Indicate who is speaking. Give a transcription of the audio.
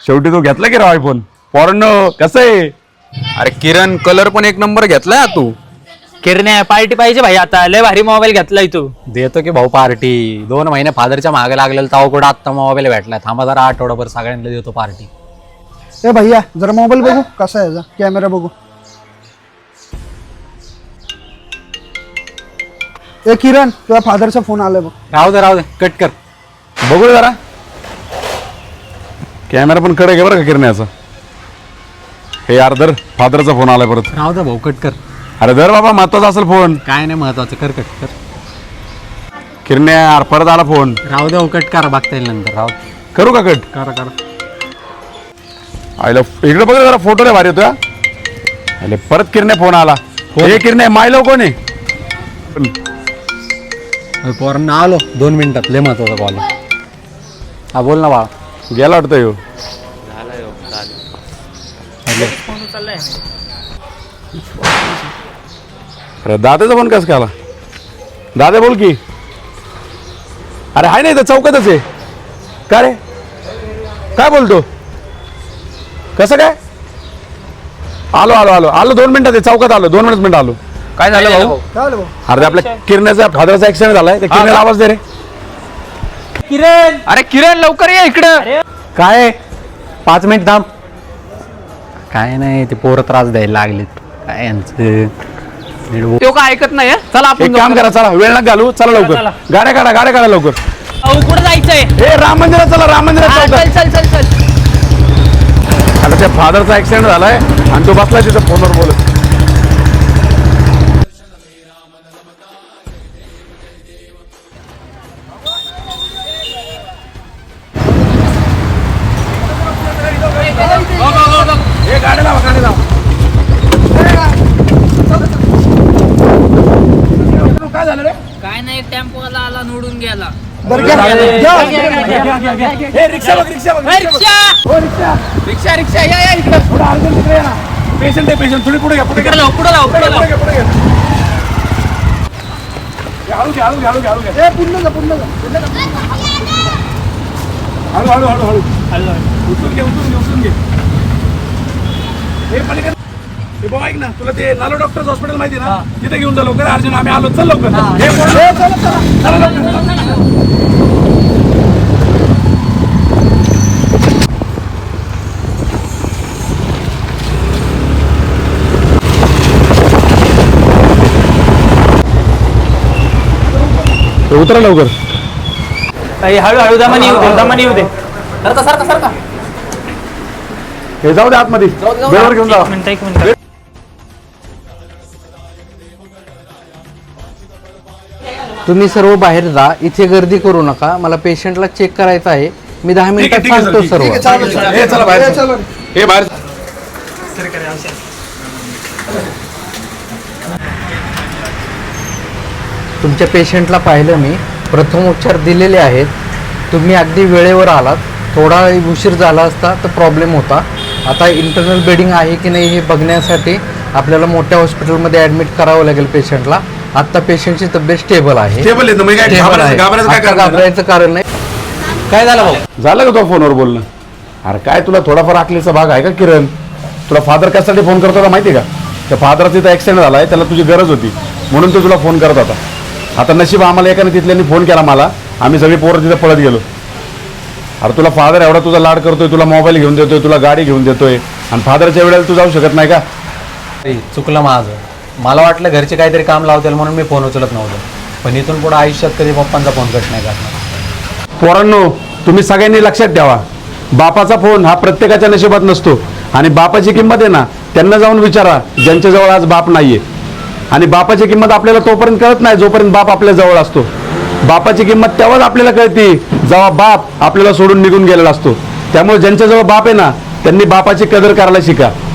Speaker 1: शेवटी तो घेतला की राव आयफोन पोरांनो कसं आहे.
Speaker 2: अरे किरण कलर पण एक नंबर घेतलाय तू.
Speaker 3: किरण्या पार्टी पाहिजे भाई आता लय भारी मोबाईल घेतलाय तू.
Speaker 4: देतो की भाऊ पार्टी. 2 महिने फादरच्या मागे लागलेलं ताव कुठं आत्ता मोबाईल भेटलाय. थांबा जरा आठवडाभर सगळ्यांना देतो पार्टी.
Speaker 5: ए भैया जरा मोबाईल बघू कसा आहे याचा कॅमेरा बघू. ए किरण तुझ्या फादरचा फोन आलाय बघ.
Speaker 4: राहू दे कट कर.
Speaker 1: बघू जरा कॅमेरा पण कडे घे बरं का किरण्याचा. हे यार धर फादरचा फोन आलाय परत.
Speaker 4: राहू दे भाऊ कट कर.
Speaker 1: अरे धर बाबा महत्वाचा असेल फोन.
Speaker 4: काय नाही महत्वाचं कर कट कर.
Speaker 1: किरण्या यार परत आला फोन.
Speaker 4: राहू दे भाऊ कट करा बघता येईल नंतर. राहू दे.
Speaker 1: करू का कट.
Speaker 4: करा
Speaker 1: आयला इकडे बघ जरा फोटो रे भारी होता. अरे परत किरण्या फोन आला. हे किरण्या मायलो कोण आहे.
Speaker 4: पोरांना आलो 2 मिनिटात. लय महत्वाचा कॉल. हा बोल ना बाळा.
Speaker 1: गेला वाटतं ह्यो. अरे दादाचा फोन कसं आला. दादा बोल की. अरे हाय नाही तर चौकातच आहे. का रे काय बोलतो. कसं काय. आलो आलो आलो आलो 2 मिनिटात आहे. चौकात आलो 2 मिनिट आलो. काय झालं भाऊ.
Speaker 5: काय आलं भाऊ.
Speaker 1: अरे आपल्या किरण्याचा फादरचा ऍक्सिडेंट झालाय. त्या किरण्याला आवाज दे रे.
Speaker 3: किरण
Speaker 2: अरे किरण लवकर ये इकडं.
Speaker 4: काय 5 मिनिट थांब. काय नाही ते पोरं त्रास द्यायला लागलेत. काय यांचं
Speaker 2: तो काय ऐकत नाही हं? चला
Speaker 1: एक
Speaker 2: आपण
Speaker 1: काम करा चला वेळ नका घालू. चला लवकर गाड्या काढा लवकर.
Speaker 3: अहो कुठं जायचंय.
Speaker 1: ए राम मंदिरात चला. राम मंदिरात
Speaker 3: हा,
Speaker 1: चौकात.
Speaker 3: चल
Speaker 1: आता त्या फादरचा ऍक्सिडेंट झालाय आणि तो बसलाय तिथं फोनवर बोलत. काय झालं रे.
Speaker 3: काय नाही टेम्पो आला निवडून गेला.
Speaker 5: बरं घ्या.
Speaker 1: हे रिक्षा बघ रिक्षा बघ. रिक्षा या इकडे. थोडं अर्जंट तिकडे या ना. पेशंट आहे पेशंट. थोडी पुढे घ्या पुढे घ्या.
Speaker 3: पुढे जाऊ
Speaker 1: पुढे घ्या. हळू घ्या.
Speaker 5: ए पुन्हा जा.
Speaker 1: हळू उचलून घे. हे पलीकडे हे बघ ऐक ना तुला ते नालो डॉक्टर्स हॉस्पिटल माहिती ना तिथे घेऊन जा लवकर. अर्जुन आम्ही आलो. चल लवकर. हे चला लवकर. उतरा लवकर.
Speaker 3: हळूहळू दमानी येऊ दे.
Speaker 2: सारखा
Speaker 1: हे जाऊ दे आतमध्ये. वेळेवर घेऊन जा.
Speaker 3: एक मिनिट
Speaker 6: तुम्ही सर्व बाहेर जा. इथे गर्दी करू नका. मला पेशंटला चेक करायचं आहे. मी 10 मिनिटात सांगतो सर्व.
Speaker 1: हे चला बाहेर. हे बाहेर.
Speaker 6: तुमच्या पेशंटला पाहिलं मी. प्रथमोपचार दिलेले आहेत. तुम्ही अगदी वेळेवर आलात. थोडा उशीर झाला असता तर प्रॉब्लेम होता. आता इंटरनल ब्लिडिंग आहे की नाही हे बघण्यासाठी आपल्याला मोठ्या हॉस्पिटलमध्ये ॲडमिट करावं लागेल पेशंटला. आत्ता पेशंटची तब्येत स्टेबल आहे.
Speaker 1: स्टेबल आहे. मग काय
Speaker 6: स्टेबल आहे.
Speaker 1: घाबरायचं काय
Speaker 6: आता
Speaker 1: कारण.
Speaker 6: घाबरायचं कारण नाही. काय झालं भाऊ.
Speaker 1: झालं का तो फोनवर बोलणं. अरे काय तुला थोडाफार आखलीचा भाग आहे का किरण. तुला फादर कशासाठी फोन करत होता माहिती आहे का. त्या फादरचा इथं ऍक्सिडेंट झालाय. त्याला तुझी गरज होती म्हणून तो तुला फोन करत होता. आता नशीब आम्हाला एकाने तिथल्यांनी फोन केला मला. आम्ही सगळी पोरं तिथे पळत गेलो. अरे तुला फादर एवढा तुझा लाड करतोय. तुला मोबाईल घेऊन देतोय. तुला गाडी घेऊन देतोय. आणि फादरच्या वेळेला तू जाऊ शकत नाही का.
Speaker 4: चुकलं माझं. मला वाटलं घरचे काहीतरी काम लावतील म्हणून मी फोन उचलत नव्हतो. पण इथून पुढे आयुष्यात कधी पप्पांचा फोन कट नाही करणार.
Speaker 1: पोरांनो तुम्ही सगळ्यांनी लक्षात ठेवा. बापाचा फोन हा प्रत्येकाच्या नशिबात नसतो. आणि बापाची किंमत आहे ना त्यांना जाऊन विचारा ज्यांच्याजवळ आज बाप नाहीये. आणि बापाची किंमत आपल्याला तोपर्यंत कळत नाही जोपर्यंत बाप आपल्या जवळ असतो. बापाची किंमत तेव्हाच आपल्याला कळते जेव्हा बाप आपल्याला सोडून निघून गेलेला असतो. त्यामुळे ज्यांच्याजवळ बाप आहे ना त्यांनी बापाची कदर करायला शिका.